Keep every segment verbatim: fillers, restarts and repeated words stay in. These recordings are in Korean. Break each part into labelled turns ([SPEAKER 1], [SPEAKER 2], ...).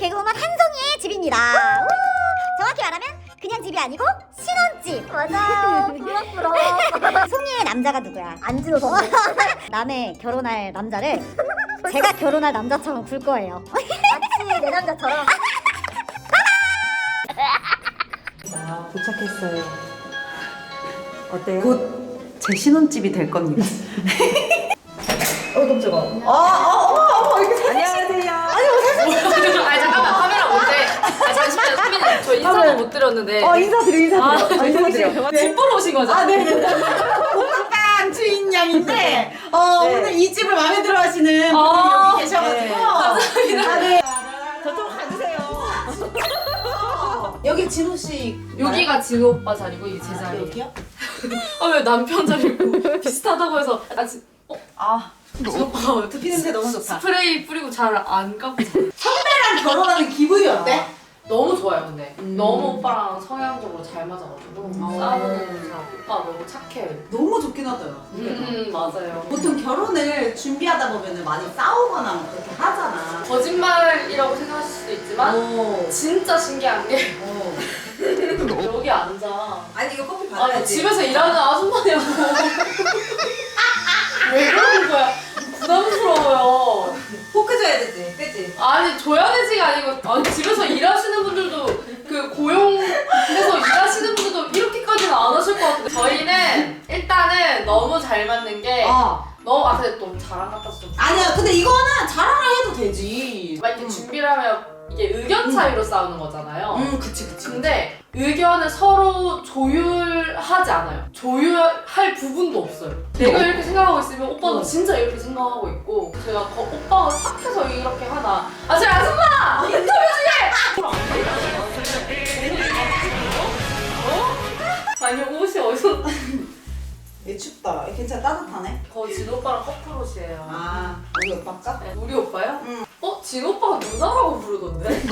[SPEAKER 1] 개그우먼 한송이의 집입니다. 우! 정확히 말하면 그냥 집이 아니고 신혼집.
[SPEAKER 2] 맞아요. 부럽부럽.
[SPEAKER 1] 송이의 남자가 누구야?
[SPEAKER 2] 안진호 선배.
[SPEAKER 1] 남의 결혼할 남자를 제가 결혼할 남자처럼 굴 거예요.
[SPEAKER 2] 마치 내 남자처럼.
[SPEAKER 3] 자, 도착했어요. 어때요? 곧 제 신혼집이 될 겁니다.
[SPEAKER 2] 어 깜짝아.
[SPEAKER 3] 어, 어, 어, 어, 이렇게 안녕하세요. 아니,
[SPEAKER 4] 아니 잠깐만 카메라 뭔데? 아 잠시만요 수민님 저 인사도 못 드렸는데
[SPEAKER 3] 어, 인사드려, 인사드려. 어, 인사드려.
[SPEAKER 4] 집 보러 오신 거죠?
[SPEAKER 3] 아, 네네. 옥탑방 주인 양인데, 어,
[SPEAKER 4] 네.
[SPEAKER 3] 오늘 이 집을 마음에 들어 하시는
[SPEAKER 4] 아,
[SPEAKER 3] 분이 여기 계셔가지고.
[SPEAKER 4] 네. 감사합니다.
[SPEAKER 3] 아, 네. 저쪽 가주세요. 여기 진호 씨.
[SPEAKER 4] 여기가 진호 오빠 자리고 이게 제 자리.
[SPEAKER 3] 여기요?
[SPEAKER 4] 아 왜 남편 자리고 비슷하다고 해서 아 지, 어?
[SPEAKER 3] 아,
[SPEAKER 4] 진호 오빠가
[SPEAKER 3] 두피 냄새 너무 좋다.
[SPEAKER 4] 스프레이 뿌리고 잘 안 감고 자.
[SPEAKER 3] 선배랑 결혼하는 기분이 어때?
[SPEAKER 4] 너무 좋아요 근데
[SPEAKER 3] 음.
[SPEAKER 4] 너무 오빠랑 성향적으로 잘 맞아가지고
[SPEAKER 3] 어.
[SPEAKER 4] 싸우는 잘 오빠 너무 착해요.
[SPEAKER 3] 너무 좋긴 하더라.
[SPEAKER 4] 음 맞아요.
[SPEAKER 3] 보통 결혼을 준비하다 보면 많이 싸우거나 뭐 그렇게 하잖아.
[SPEAKER 4] 거짓말이라고 생각하실 수도 있지만
[SPEAKER 3] 오.
[SPEAKER 4] 진짜 신기한 게
[SPEAKER 3] 어.
[SPEAKER 4] 여기 앉아.
[SPEAKER 3] 아니 이거 커피
[SPEAKER 4] 아니
[SPEAKER 3] 받아야지.
[SPEAKER 4] 집에서 일하는 아줌마냐고. 왜 그러는 거야? 부담스러워요.
[SPEAKER 3] 포크 줘야 되지, 그치?
[SPEAKER 4] 아니 줘야 되지가 아니고 아니 집에서 일하시는 분들도 그 고용해서 일하시는 분들도 이렇게까지는 안 하실 것 같은데 저희는 일단은 너무 잘 맞는 게
[SPEAKER 3] 어.
[SPEAKER 4] 너무 아 근데 또 자랑 같아서 좀
[SPEAKER 3] 아니야, 근데 이거는 자랑을 해도 되지.
[SPEAKER 4] 막 이렇게
[SPEAKER 3] 음.
[SPEAKER 4] 준비를 하면 이게 의견 차이로 싸우는 거잖아요.
[SPEAKER 3] 음, 그치, 그치.
[SPEAKER 4] 근데 의견을 서로 조율하지 않아요. 조율할 부분도 없어요. 내가 이렇게 생각하고 있으면 오빠도
[SPEAKER 3] 어.
[SPEAKER 4] 진짜 이렇게 생각하고 있고 제가 거, 오빠가 착해서 이렇게 하나 아 저희 아줌마! 인터뷰 중에! 어? 아니 옷이 어디서
[SPEAKER 3] 얘 춥다. 얘 괜찮아, 따뜻하네.
[SPEAKER 4] 거의 진 오빠랑 커플 옷이에요.
[SPEAKER 3] 아, 우리 오빠까?
[SPEAKER 4] 네, 우리 오빠요?
[SPEAKER 3] 응.
[SPEAKER 4] 어? 진 오빠가 누나라고 부르던데?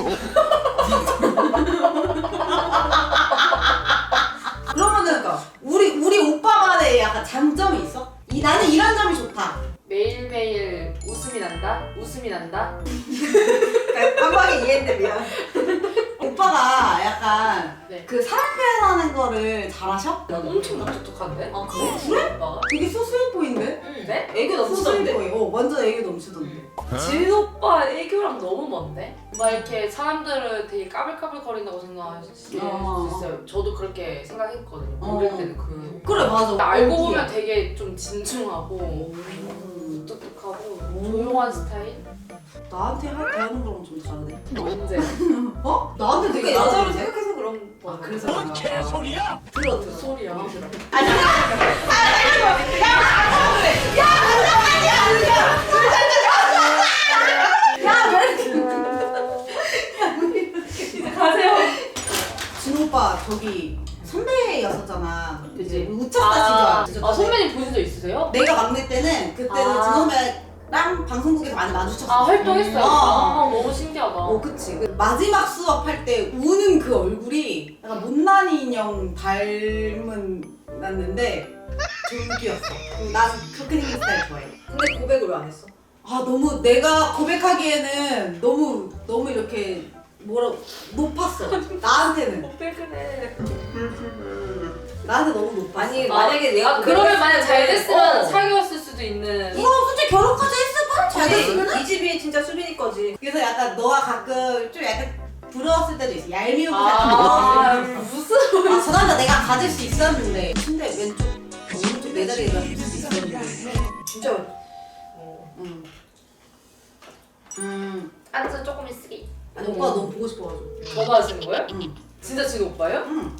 [SPEAKER 3] 그러면은, 그러니까 우리, 우리 오빠만의 약간 장점이 있어? 이, 나는 이런 점이 좋다.
[SPEAKER 4] 매일매일 웃음이 난다? 웃음이 난다?
[SPEAKER 3] 그러니까 한 방에 이해했는데 미안. 오빠가 약간
[SPEAKER 4] 네.
[SPEAKER 3] 그 사람 표현하는 거를 잘하셔?
[SPEAKER 4] 엄청 무뚝뚝한데?
[SPEAKER 3] 아, 그래? 그래?
[SPEAKER 4] 오빠가?
[SPEAKER 3] 되게 수수해 보이는데?
[SPEAKER 4] 응. 네?
[SPEAKER 3] 애교 넘치던데? 어, 완전 애교 넘치던데.
[SPEAKER 4] 진 오빠 애교랑 너무 먼데? 막 이렇게 사람들은 되게 까불까불 거린다고 생각하실 수
[SPEAKER 3] 어.
[SPEAKER 4] 있어요. 저도 그렇게 생각했거든요.
[SPEAKER 3] 어.
[SPEAKER 4] 어릴 때는 그
[SPEAKER 3] 그래, 맞아.
[SPEAKER 4] 알고
[SPEAKER 3] 어디야?
[SPEAKER 4] 보면 되게 좀 진중하고
[SPEAKER 3] 음.
[SPEAKER 4] 무뚝뚝하고 조용한 스타일?
[SPEAKER 3] 나한테 할 대하는 거랑 좀 다르네.
[SPEAKER 4] 언제?
[SPEAKER 3] 어? 나한테 되게
[SPEAKER 4] 그러니까
[SPEAKER 3] 여자로
[SPEAKER 4] 여자로
[SPEAKER 3] 생각해서 그런 거. 아, 그래서 뭔 개소리야? 들어, 들어.
[SPEAKER 4] 소리야.
[SPEAKER 3] 아니, 야,
[SPEAKER 4] 가세요.
[SPEAKER 3] 진 오빠 저기 선배였었잖아.
[SPEAKER 4] 그지?
[SPEAKER 3] 우차사 시절.
[SPEAKER 4] 아 선배님 보신 적 있으세요?
[SPEAKER 3] 내가 막내 때는 그때는
[SPEAKER 4] 아.
[SPEAKER 3] 진 선배랑 방송국에서 많이 마주쳤어.
[SPEAKER 4] 아 활동했어요?
[SPEAKER 3] 어.
[SPEAKER 4] 아 너무 신기하다.
[SPEAKER 3] 어, 그치. 그 마지막 수업할 때 우는 그 얼굴이 약간 못난이 인형 닮은 났는데 졸기였어. 난 그렇게 생긴 스타일 좋아해.
[SPEAKER 2] 근데 고백을 왜 안 했어?
[SPEAKER 3] 아 너무 내가 고백하기에는 너무 너무 이렇게 뭐라 높았어. 나한테는
[SPEAKER 4] 왜 그래?
[SPEAKER 3] 나한테 너무 높았어.
[SPEAKER 2] 아니
[SPEAKER 4] 아,
[SPEAKER 2] 만약에 내가
[SPEAKER 4] 아 그러면 만약 잘 됐으면
[SPEAKER 3] 어.
[SPEAKER 4] 사귀었을 수도 있는.
[SPEAKER 3] 이거 솔직히 결혼까지 했을 뻔잘 됐으면.
[SPEAKER 2] 이 집이 진짜 수빈이 거지.
[SPEAKER 3] 그래서 약간 너가 가끔 좀 약간 부러웠을 때도 있어. 얄미우고
[SPEAKER 4] 아
[SPEAKER 3] 같은 거.
[SPEAKER 4] 무슨
[SPEAKER 3] 아, 저 남자 내가 가질 수 있었는데 근데 왼쪽 오른쪽 내 자리에 놔둘 수 있었는데.
[SPEAKER 2] 진짜.
[SPEAKER 3] 음. 음.
[SPEAKER 4] 안전 조금 있으기.
[SPEAKER 3] 아니 오빠 너무 보고 싶어가지고.
[SPEAKER 4] 전화 하시는 거예요?
[SPEAKER 3] 응.
[SPEAKER 4] 진짜 진 오빠예요?
[SPEAKER 3] 응.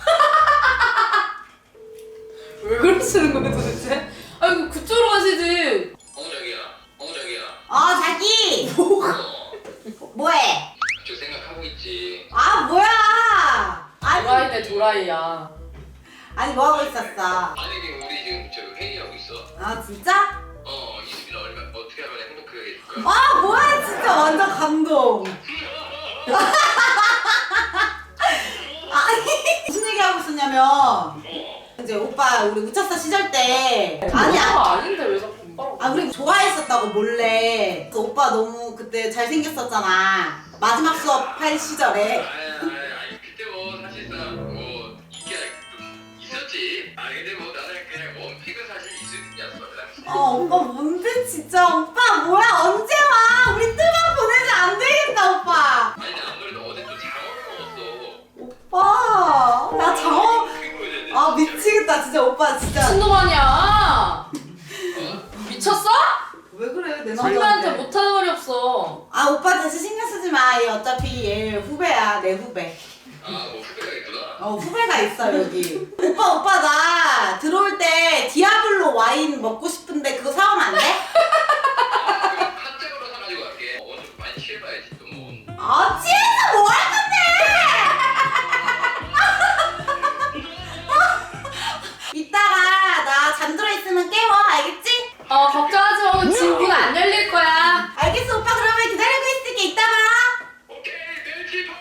[SPEAKER 4] 왜 그러시는 거예요 도대체? 아이고 그쪽으로 가시지.
[SPEAKER 5] 어 자기야, 어 자기야.
[SPEAKER 3] 아 자기.
[SPEAKER 5] 어,
[SPEAKER 3] 뭐해?
[SPEAKER 5] 저 생각하고 있지.
[SPEAKER 3] 아 뭐야? 아니
[SPEAKER 4] 도라이네 도라이야.
[SPEAKER 3] 아니 뭐 하고 있었어?
[SPEAKER 5] 만약에 우리 지금 저 회의하고 있어.
[SPEAKER 3] 아 진짜?
[SPEAKER 5] 어, 이수빈 얼마 어떻게 하면 행복하게 해줄까?
[SPEAKER 3] 아 뭐야 진짜 완전 감동. 아니 무슨 얘기 하고 있었냐면
[SPEAKER 5] 어,
[SPEAKER 3] 이제 오빠 우리 우차사 시절 때
[SPEAKER 4] 아니야
[SPEAKER 3] 아니야.
[SPEAKER 4] 아닌데 왜 자꾸 오빠라고?
[SPEAKER 3] 아 우리 좋아했었다고 몰래. 그 오빠 너무 그때 잘생겼었잖아. 마지막 수업할 시절에.
[SPEAKER 5] 아니 아니 아니 그때 뭐 사실상 뭐 이게 좀 있었지. 아 근데 뭐 나는 그냥 원픽은 사실 이수빈이었어 그 당시.
[SPEAKER 3] 아 오빠 뭔데 진짜. 오빠 뭐야 언제 와? 우리 뜨만 보내지 안 되겠다 오빠.
[SPEAKER 5] 아니 근데 아무래도 어제 또 장어를 먹었어.
[SPEAKER 3] 오빠 나 장어. 아 미치겠다 진짜 오빠 진짜.
[SPEAKER 4] 미친놈 아니야. 미쳤어?
[SPEAKER 3] 왜 그래 내
[SPEAKER 4] 선배한테
[SPEAKER 3] 남자한테.
[SPEAKER 4] 못하는 말이 없어.
[SPEAKER 3] 아 오빠 대신 신경 쓰지 마. 얘 어차피 얘 후배야 내 후배.
[SPEAKER 5] 아뭐 후배가 있구나.
[SPEAKER 3] 어 후배가 있어 여기. 오빠 오빠 나 들어올 때 디아블로 와인 먹고 싶은데 그거 사오면 안 돼?
[SPEAKER 5] 아 그럼 한 짝으로 사가지고 갈게. 어, 오늘 많이 취해봐야지 또 뭐.
[SPEAKER 3] 아 취해서 뭐 할 건데? 이따가 나 잠들어 있으면 깨워 알겠지?
[SPEAKER 4] 어 걱정하지 마. 지금 문 안 열릴 거야.
[SPEAKER 3] 알겠어 오빠 그러면 기다리고 있을게. 이따 봐.
[SPEAKER 5] 오케이 멸치포.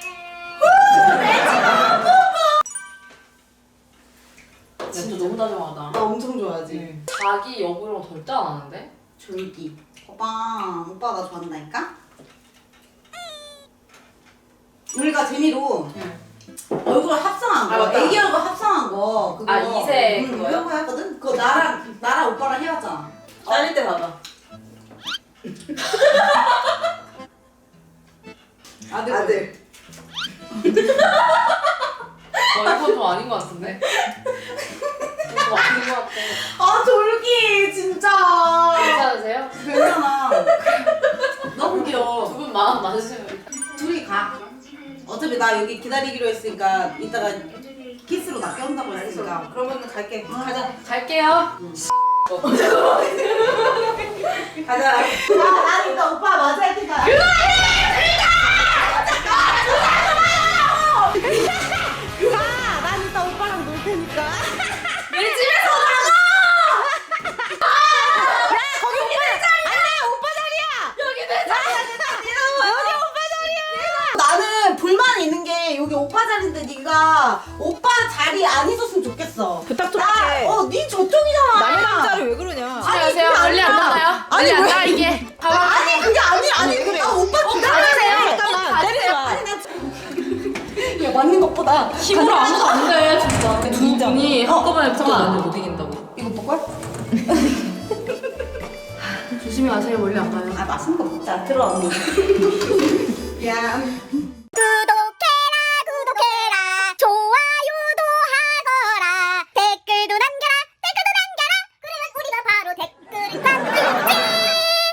[SPEAKER 4] 진짜 너무 다정하다.
[SPEAKER 3] 나 엄청 좋아하지.
[SPEAKER 4] 자기 여부랑 절대 안 하는데?
[SPEAKER 3] 졸기. 오빠 오빠 나 좋아한다니까? 우리가 재미로 얼굴 합성한 거,
[SPEAKER 4] 아, 맞다.
[SPEAKER 3] 애기 얼굴 합성한 거 그거
[SPEAKER 4] 아, 이세
[SPEAKER 3] 응,
[SPEAKER 4] 그거요?
[SPEAKER 3] 그거 했거든? 그거 나랑 나랑 오빠랑 해왔잖아.
[SPEAKER 2] 잘릴 때 받아.
[SPEAKER 3] 아들
[SPEAKER 2] 아들.
[SPEAKER 4] 어 이건 좀 아닌 것 같은데? 좀 아닌 것 같아.
[SPEAKER 3] 아 졸기 진짜.
[SPEAKER 4] 괜찮으세요?
[SPEAKER 3] 괜찮아. 너무 귀여워.
[SPEAKER 4] 두 분 마음 맞으시면
[SPEAKER 3] 둘이 가. 어차피 나 여기 기다리기로 했으니까 이따가 키스로 나 껴온다고 했으니까.
[SPEAKER 2] 그러면 갈게.
[SPEAKER 3] 가자.
[SPEAKER 4] 갈게요.
[SPEAKER 2] 가자.
[SPEAKER 3] 야, 나는 이따 오빠 맞아 할 테니까. 그만해! 가! 난 이따 오빠랑 놀 테니까.
[SPEAKER 4] 내 집에서
[SPEAKER 3] 거기 오빠 자리야! 안 돼! 오빠 자리야!
[SPEAKER 4] 여기 내 자리야.
[SPEAKER 3] 여기 오빠 자리야! 나는 불만이 있는 게 여기 오빠 자리인데 네가 오빠 자리 안 있었으면 좋겠어.
[SPEAKER 2] 부탁 좀
[SPEAKER 3] 나,
[SPEAKER 2] 할게.
[SPEAKER 3] 어, 네 저쪽이잖아.
[SPEAKER 2] 남의 남자를 왜 그러냐?
[SPEAKER 4] 안녕하세요.
[SPEAKER 3] 그게
[SPEAKER 4] 멀리 안
[SPEAKER 3] 아니라.
[SPEAKER 4] 나가요?
[SPEAKER 3] 아니,
[SPEAKER 4] 멀리 안
[SPEAKER 3] 왜?
[SPEAKER 4] 나 이게. 가방.
[SPEAKER 3] 아니 그게 아니 아니
[SPEAKER 2] 왜 그래?
[SPEAKER 3] 아 오빠 기다려.
[SPEAKER 4] 가세요.
[SPEAKER 2] 잠깐만 때리지 마.
[SPEAKER 3] 아니 나 야 맞는 것보다
[SPEAKER 4] 힘으로 아무도 안 돼, 진짜. 두
[SPEAKER 2] 진짜.
[SPEAKER 4] 분이
[SPEAKER 3] 어,
[SPEAKER 4] 한꺼번에 붙어도
[SPEAKER 3] 잠깐만.
[SPEAKER 4] 안돼 못 이긴다고.
[SPEAKER 3] 이거 볼걸?
[SPEAKER 4] 조심히 가세요. 멀리 안 가요.
[SPEAKER 3] 아 맛있는 거 먹자. 들어 언니. 야